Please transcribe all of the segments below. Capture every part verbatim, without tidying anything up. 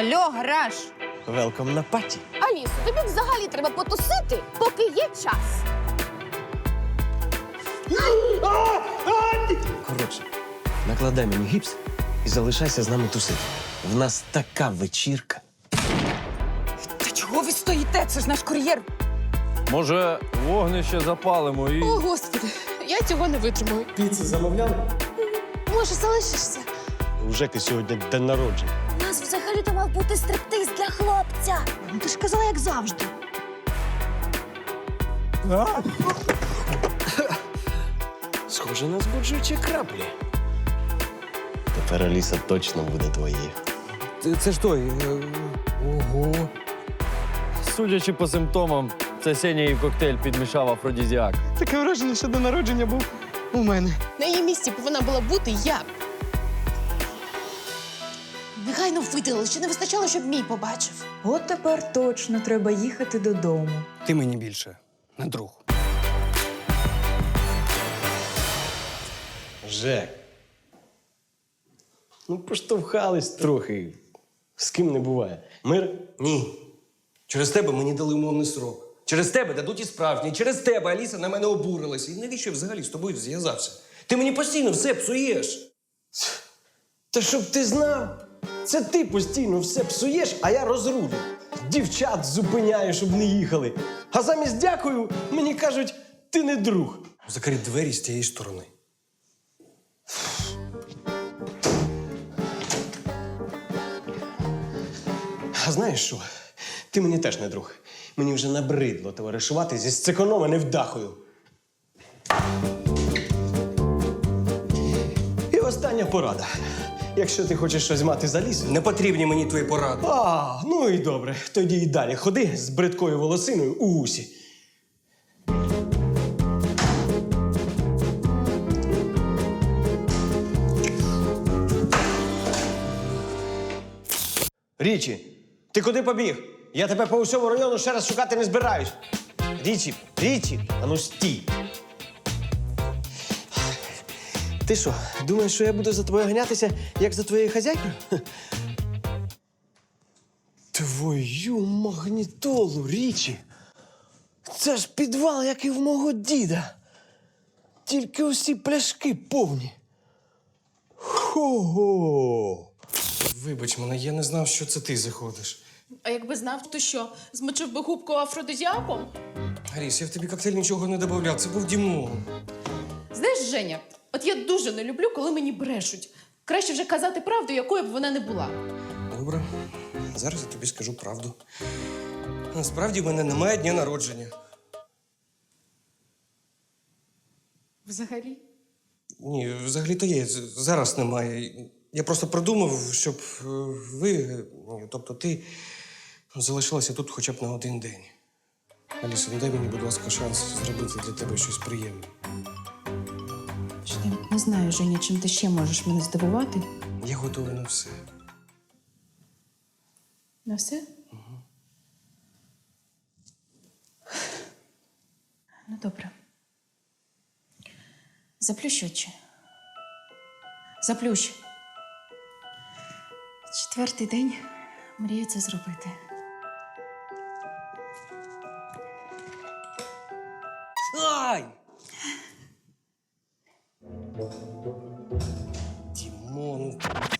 Алло, гараж! Велком на паті. Алісо, тобі взагалі треба потусити, поки є час. Коротше, накладай мені гіпс і залишайся з нами тусити. В нас така вечірка. Та чого ви стоїте? Це ж наш кур'єр. Може, вогнище запалимо і. О, Господи, я цього не витримую. Піци замовляли? Може, залишишся? У Жеки сьогодні день народження. У нас взагалі-то мав бути стриптиз для хлопця. Ну, ти ж казала, як завжди. Схоже на збуджуючі краплі. Тепер Аліса точно буде твоєю. Це ж той. е, Ого. Судячи по симптомам, це Сеня їй в коктейль підмішав афродізіак. Таке враження, що день народження був у мене. На її місці повинна була бути я. Негайно видалили, ще не вистачало, щоб мій побачив. От тепер точно треба їхати додому. Ти мені більше не друг. Жек. Ну, поштовхались трохи. З ким не буває. Мир? Ні. Через тебе мені дали умовний срок. Через тебе дадуть і справжній. Через тебе Аліса на мене обурилася. І навіщо я взагалі з тобою зв'язався? Ти мені постійно все псуєш. Та щоб ти знав, це ти постійно все псуєш, а я розрулю. Дівчат зупиняю, щоб не їхали. А замість дякую, мені кажуть, ти не друг. Закрий двері з тієї сторони. А знаєш що? Ти мені теж не друг. Мені вже набридло товаришувати зі сцеконома невдахою. І остання порада. Якщо ти хочеш щось мати за лісом... Не потрібні мені твої поради. А, ну і добре. Тоді і далі ходи з бридкою волосиною у вусі. Річі, ти куди побіг? Я тебе по усьому району ще раз шукати не збираюсь. Річі, Річі, а ну стій. Ти що, думаєш, що я буду за тобою ганятися, як за твоєю хазяйкою? Твою магнітолу, Річі! Це ж підвал, як і в мого діда. Тільки усі пляшки повні. Хо-го! Вибач мене, я не знав, що це ти заходиш. А якби знав, то що, змочив би губку афродизіаком? Аріс, я в тобі коктейль нічого не додавав, це був Дімон. Знаєш, Женя, от я дуже не люблю, коли мені брешуть. Краще вже казати правду, якою б вона не була. Добре, зараз я тобі скажу правду. Насправді в мене немає дня народження. Взагалі? Ні, взагалі-то є. З- Зараз немає. Я просто придумав, щоб е, ви, е, тобто ти, залишилася тут хоча б на один день. Аліса, ну дай мені, будь ласка, шанс зробити для тебе щось приємне. Що ти не знаю, Женя, чим ти ще можеш мене здивувати? Я готовий на все. На все? Ну, добре. Заплющ очі. Заплющ. Четвертий день мрію це зробити. Ай! Дімон.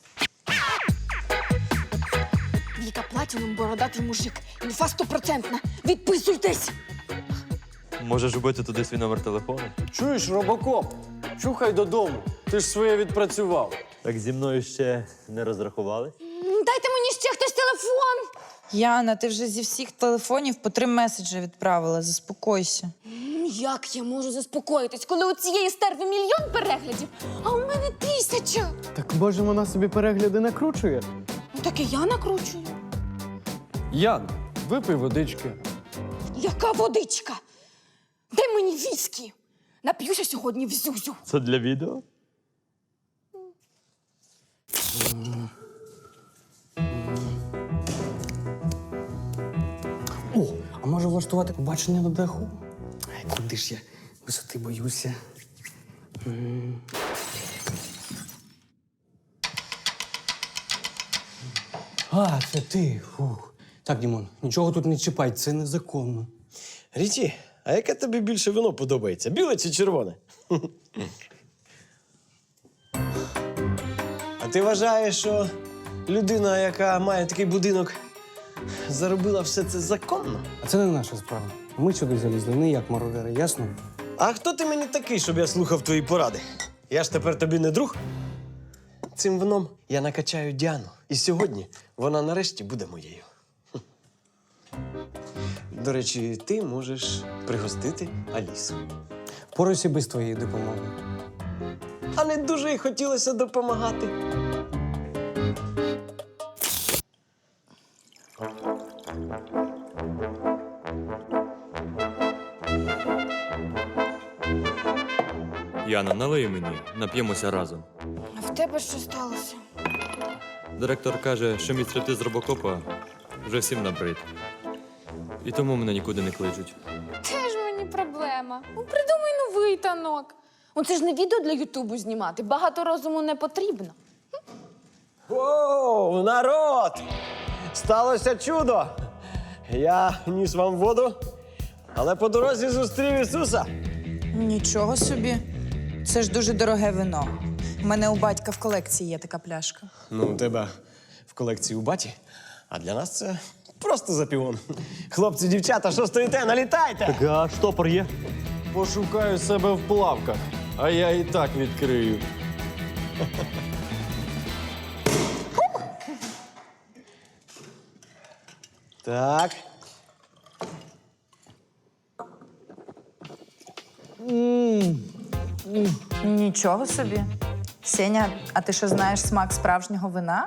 Віка Платінум, бородатий мужик. Інфа стопроцентна. Відписуйтесь! Можеш вбити туди свій номер телефону? Чуєш, робокоп? Чухай додому. Ти ж своє відпрацював. Так зі мною ще не розрахувались? Дайте мені ще хтось телефон! Яна, ти вже зі всіх телефонів по три меседжі відправила. Заспокойся. М, Як я можу заспокоїтись, коли у цієї стерви мільйон переглядів, а у мене тисяча? Так може вона собі перегляди накручує? Ну так і я накручую. Ян, випий водички. Яка водичка? Дай мені віскі. Нап'юся сьогодні в зюзю. Це для відео? О, а може влаштувати побачення на даху? Ай, куди ж я висоти боюся. А, це ти. Фух. Так, Дімон, нічого тут не чіпай, це незаконно. Ріті, а яке тобі більше вино подобається? Біле чи червоне? А ти вважаєш, що людина, яка має такий будинок, заробила все це законно? А це не наша справа. Ми сюди залізли не як мародери, ясно? А хто ти мені такий, щоб я слухав твої поради? Я ж тепер тобі не друг. Цим вином я накачаю Діану. І сьогодні вона нарешті буде моєю. Хм. До речі, ти можеш пригостити Алісу. Порайся без твоєї допомоги. А не дуже й хотілося допомагати. Яна, налий мені, нап'ємося разом. А в тебе що сталося? Директор каже, що мій стриптиз з робокопа вже всім набрид. І тому мене нікуди не кличуть. Теж мені проблема. Ну, придумай новий танок. Ну, це ж не відео для Ютубу знімати. Багато розуму не потрібно. Оу, народ! Сталося чудо! Я ніс вам воду, але по дорозі зустрів Ісуса. Нічого собі. Це ж дуже дороге вино. У мене у батька в колекції є така пляшка. Ну, у тебе в колекції у баті, а для нас це просто запівон. Хлопці, дівчата, що стоїте? Налітайте! А штопор є? Пошукаю себе в плавках, а я і так відкрию. Так. Нічого собі. Сеня, а ти що знаєш смак справжнього вина?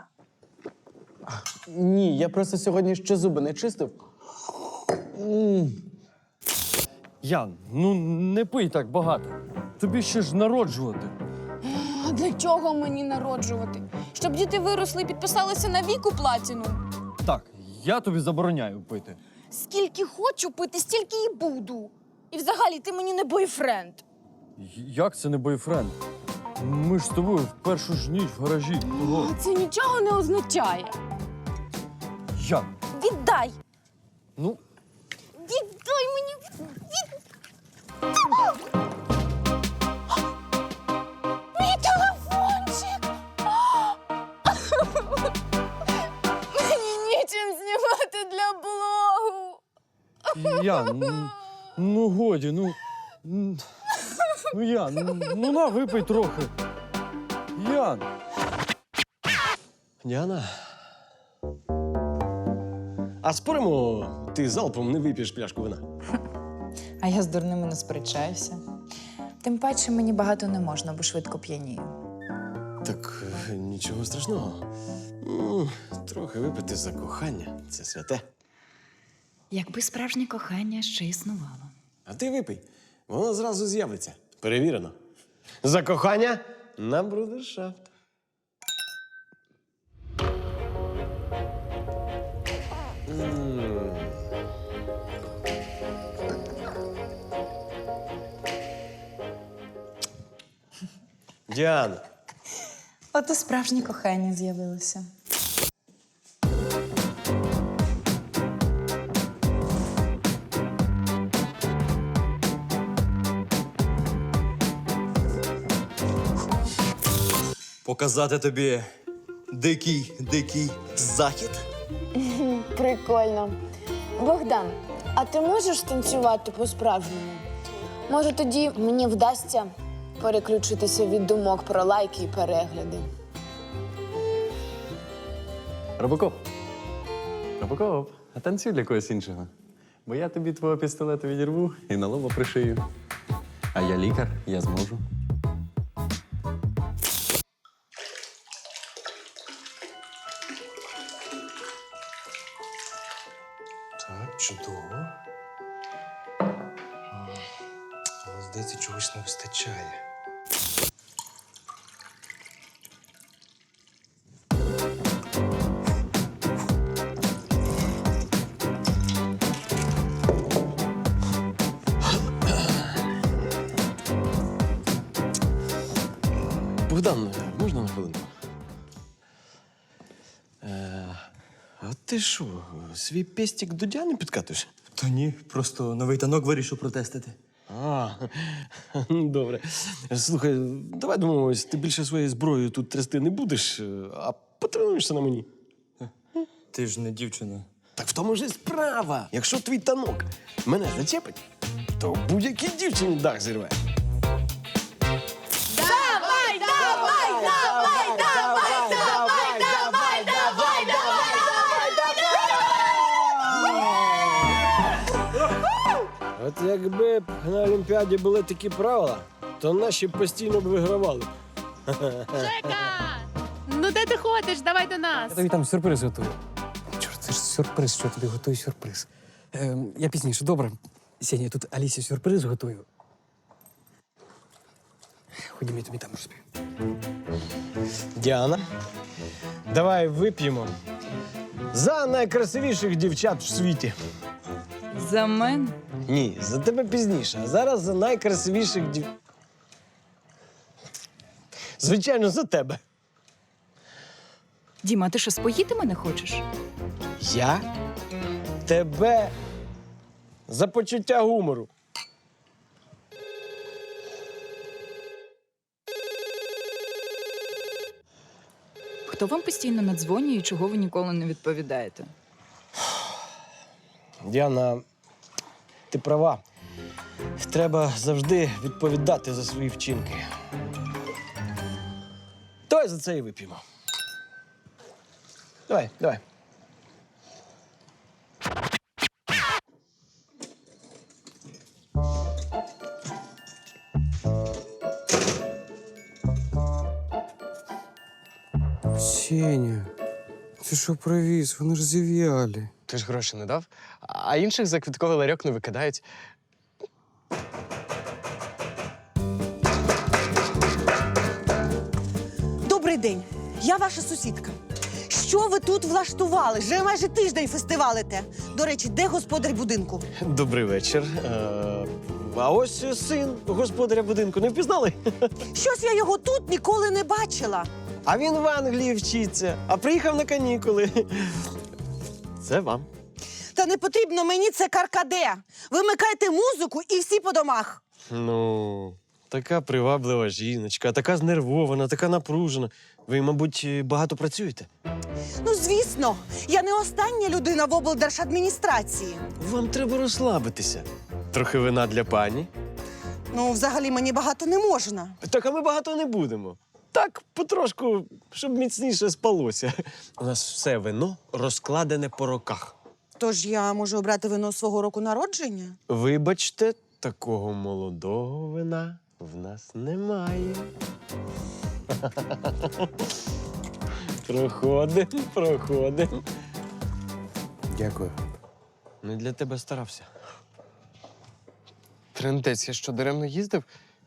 Ні, я просто сьогодні ще зуби не чистив. Ян, ну не пий так багато. Тобі ще ж народжувати. А для чого мені народжувати? Щоб діти виросли і підписалися на віку платіну. Так, я тобі забороняю пити. Скільки хочу пити, стільки і буду. І взагалі, ти мені не бойфренд. Як це не бойфренд? Ми ж з тобою в першу ж ніч в гаражі. Того. Це нічого не означає. Ян, Віддай! ну, Віддай мені! Від... Мій телефончик! Мені нічим знімати для блогу! Ян, ну, ну годі, ну. м, Ну, Ян, ну, ну на, випий трохи. Ян. Діана. А споримо, ти залпом не вип'єш пляшку вина? А я з дурними не сперечаюся. Тим паче мені багато не можна, бо швидко п'янію. Так е, нічого страшного. М, Трохи випити за кохання це святе. Якби справжнє кохання ще існувало. А ти випий, воно зразу з'явиться. Перевірено. За кохання на брудершафт. М. Діана. От і справжнє кохання з'явилося. Показати тобі дикий, дикий захід? Прикольно. Богдан, а ти можеш танцювати по-справжньому? Може, тоді мені вдасться переключитися від думок про лайки і перегляди. Робокоп. Робокоп, а танцюй для когось іншого. Бо я тобі твого пістолета відірву і на лоба пришию. А я лікар, я зможу. Так, чудово. Але, здається, чогось не вистачає. Богдан, можна на хвилинку? Е, А ти що, свій пестик до Діани підкатуєш? Та ні, просто новий танок вирішив протестити. А, добре. Слухай, давай домовимось, ти більше своєю зброєю тут трясти не будеш, а потренуєшся на мені. Ти ж не дівчина. Так в тому ж і справа. Якщо твій танок мене зачепить, то будь-якій дівчині дах зірве. Давай, давай, давай, давай, давай, давай, давай, давай. От якби на Олімпіаді були такі правила, то наші постійно б вигравали. Жека! Ну де ти ходиш? Давай до нас. Я тобі там сюрприз готую. Чорт, це ж сюрприз, що я тобі готую сюрприз. Ем, я пізніше, добре. Сеня, я тут Алісі сюрприз готую. Ходімо, я тобі там розповім. Діана, давай вип'ємо за найкрасивіших дівчат в світі. За мене? Ні, за тебе пізніше, а зараз за найкрасивіших дів... Звичайно, за тебе. Діма, ти що, споїти мене хочеш? Я? Тебе за почуття гумору. Хто вам постійно надзвонює і чого ви ніколи не відповідаєте? Діана, ти права. Треба завжди відповідати за свої вчинки. Давай за це і вип'ємо. Давай, давай. Сеня, ти що привіз? Вони ж зів'ялі. Ти ж гроші не дав, а інших за квітковий ларьок не викидають. Добрий день, я ваша сусідка. Що ви тут влаштували? Вже майже тиждень фестивалите. До речі, де господар будинку? Добрий вечір. Е, А ось син господаря будинку. Не впізнали? Щось я його тут ніколи не бачила. А він в Англії вчиться, а приїхав на канікули. Це вам. Та не потрібно мені це каркаде. Вимикайте музику і всі по домах. Ну, така приваблива жіночка, така знервована, така напружена. Ви, мабуть, багато працюєте? Ну, звісно, я не остання людина в облдержадміністрації. Вам треба розслабитися. Трохи вина для пані. Ну, взагалі, мені багато не можна. Так, а ми багато не будемо. Так, потрошку, щоб міцніше спалося. У нас все вино розкладене по роках. Тож я можу обрати вино свого року народження? Вибачте, такого молодого вина в нас немає. Проходим, проходим. Дякую. Не для тебе старався. Трендець, я що, даремно їздив?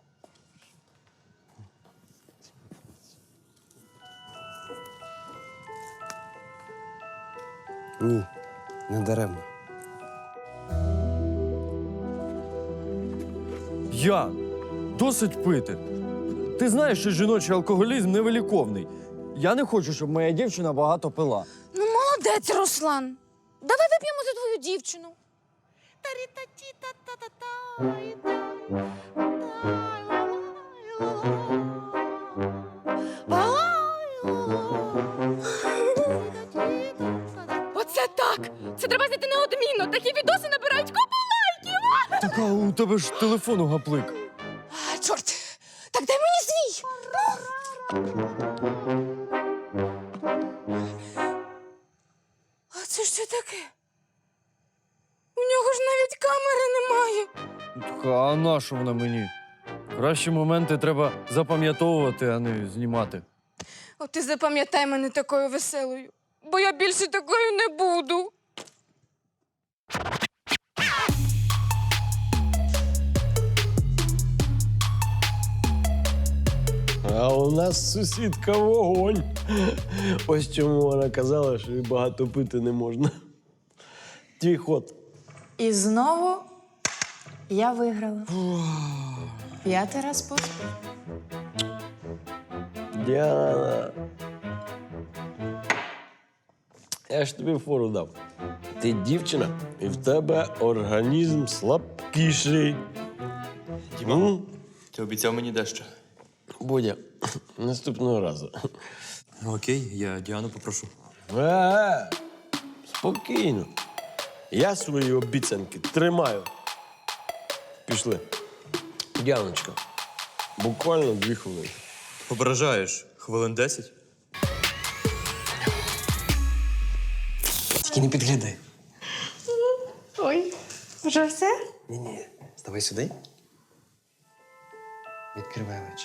Ні, не даремно. Ян, досить пити. Ти знаєш, що жіночий алкоголізм невиліковний. Я не хочу, щоб моя дівчина багато пила. Ну, молодець, Руслан. Давай вип'ємо за твою дівчину. Оце так! Це треба знайти неодмінно. Такі відоси набирають купу лайків. Так, а у тебе ж телефон у гаплик. А, чорт! Так дай мені свій! А це що таке? У нього ж навіть камери немає. Так, а на що вона мені? Кращі моменти треба запам'ятовувати, а не знімати. От ти запам'ятай мене такою веселою, бо я більше такою не буду. А у нас сусідка вогонь. Ось чому вона казала, що і багато пити не можна. Твій ход. І знову я виграла. П'ятий раз поспіль. Діана. Я ж тобі фору дав. Ти дівчина, і в тебе організм слабкіший. Діма, ти обіцяв мені дещо. Бодя, наступного разу. Ну, окей, я Діану попрошу. Е, спокійно. Я свої обіцянки тримаю. Пішли. Діаночка, буквально дві хвилини. Ображаєш хвилин десять? Тільки не підглядай. Ой, вже все? Ні-ні, ставай сюди. Відкривай очі.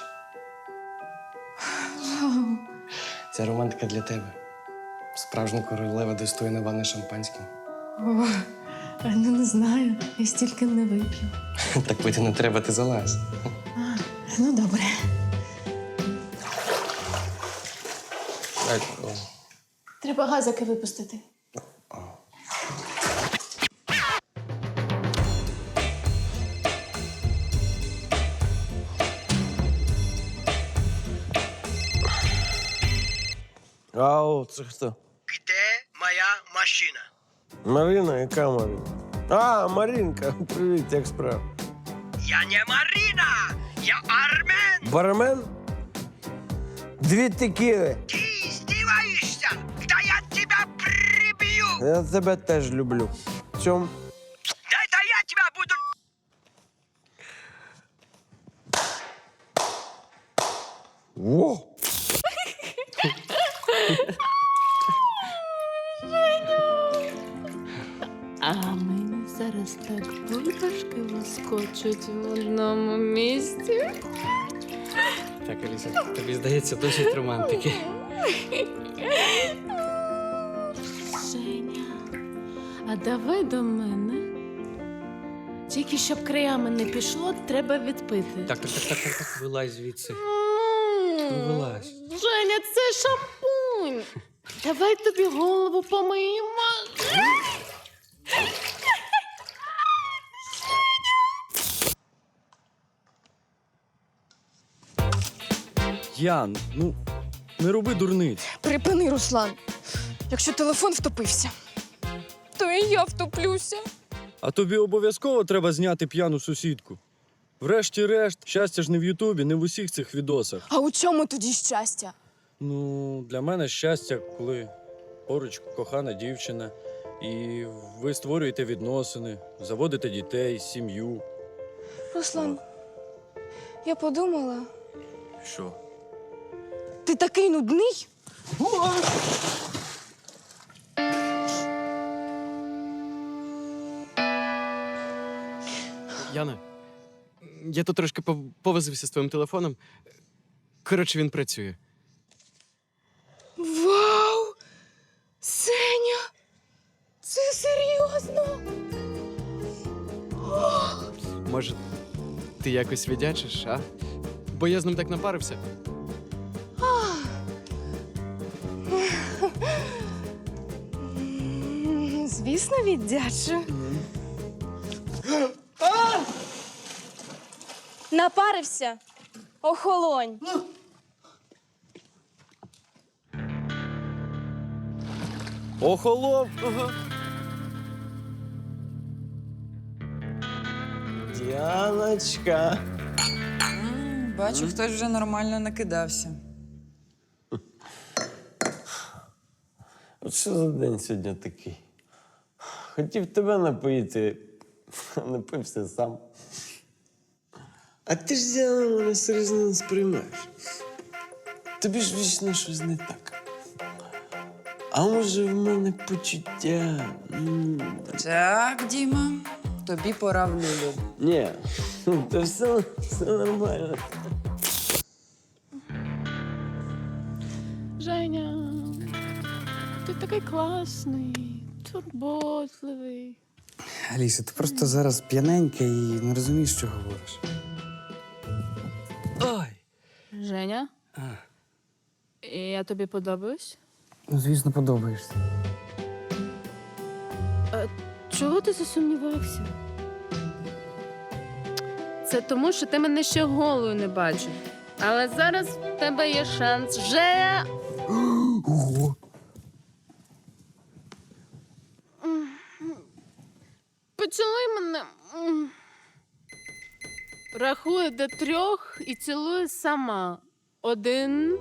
Ця романтика для тебе. Справжня королева достойна ванни шампанським. О, ну не знаю, я стільки не вип'ю. Так пити не треба, ти залазь. Ну, добре. Так, о. Треба газики випустити. Ау, це хто? Где моя машина? Марина, яка Марина? А, Маринка, привіт, як справа? Я не Марина! Я Армен! Бармен? Дві текіли. Ты издеваешься? Да я тебя прибью! Я тебе теж люблю. В чому? Да это я тебя буду... Во! А мені зараз так бульбашки вискочуть в одному місці. Так, Аліса, тобі здається досить романтики. Женя, а давай до мене. Тільки щоб краями не пішло, треба відпити. Так, так, так, так, так, так, вилазь звідси. М, вилазь. Женя, це шампунь. Давай тобі голову помиємо. Ян, ну не роби дурниць. Припини, Руслан. Якщо телефон втопився, то і я втоплюся. А тобі обов'язково треба зняти п'яну сусідку. Врешті-решт, щастя ж не в Ютубі, не в усіх цих відосах. А у чому тоді щастя? Ну, для мене щастя, коли поруч кохана дівчина, і ви створюєте відносини, заводите дітей, сім'ю. Руслан, я подумала, Що? ти такий нудний. Яна, я тут трошки пов- повозився з твоїм телефоном. Коротше, він працює. Вау! Сеня! Це серйозно? Може, ти якось віддячиш, а? Бо я з ним так напарився. М, Звісно, віддячу. Напарився. Охолонь. Охолов. Діаночка. Бачу, хтось вже нормально накидався. От що за день сьогодні такий? Хотів тебе напоїти, а напився сам. А ти ж Діана мене серйозно не сприймаєш. Тобі ж вічно щось не так. А може в мене почуття? М. Так, Діма, тобі пора в люлю. Ні, то все, все нормально. Женя, ти такий класний, турботливий. Аліса, ти просто зараз п'яненька і не розумієш, що говориш. Ой! Женя? А. Я тобі подобаюсь? Ну, звісно, подобаєшся. Чого ти засумнівався? Це тому, що ти мене ще голою не бачив. Але зараз в тебе є шанс. Женя! Ого! Рахую до трьох і цілую сама. Один,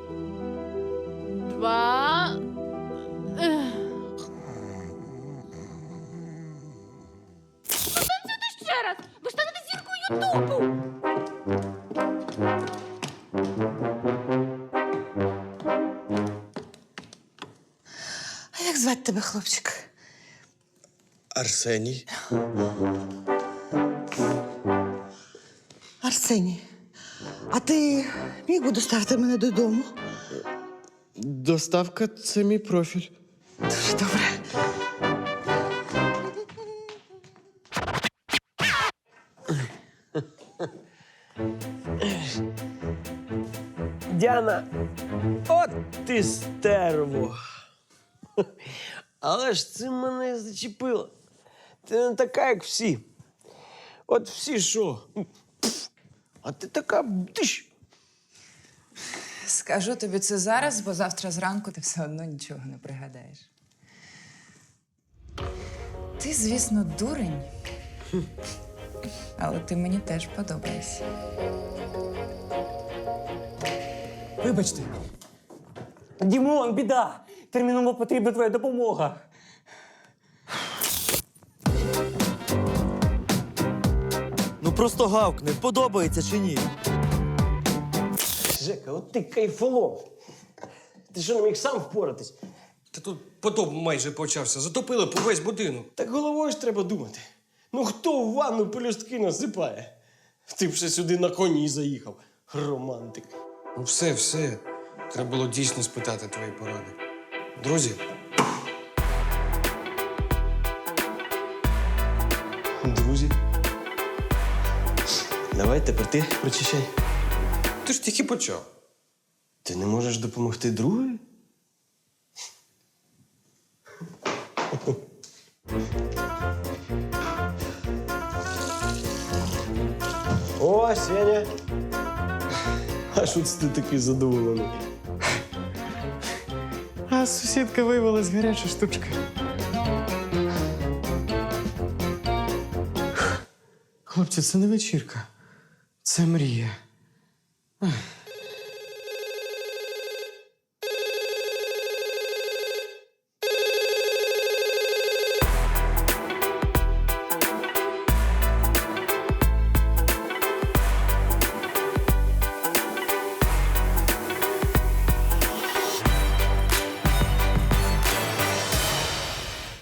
два. Ех. Танцюйте ще раз! Ви ж станете зіркою Ютубу! А як звати тебе, хлопчик? Арсеній. Арсеній. А ти міг би доставити мене додому? Доставка це мій профіль. Дуже добре. Діана, от ти стерво. Але ж це мене зачепило. Ти не така, як всі. От всі що? Пф, а ти така диш. Скажу тобі це зараз, бо завтра зранку ти все одно нічого не пригадаєш. Ти, звісно, дурень. Але ти мені теж подобаєшся. Вибачте. Дімон, біда! Терміново потрібна твоя допомога. Ну просто гавкни, подобається чи ні? Жека, от ти кайфолом. Ти що, не міг сам впоратись? Та тут потоп майже почався. Затопили по весь будинок. Так головою ж треба думати. Ну хто в ванну пелюстки насипає? Ти б ще сюди на коні заїхав. Романтик. Ну все, все. Треба було дійсно спитати твої поради. Друзі, Друзі. Давай тепер ти прочищай. ти ж тільки почав. Ти не можеш допомогти другу? О, Сеня. А що це ти такий задоволений? А сусідка виявилась гаряча штучка. Хлопці, це не вечірка. Це мрія. Ех.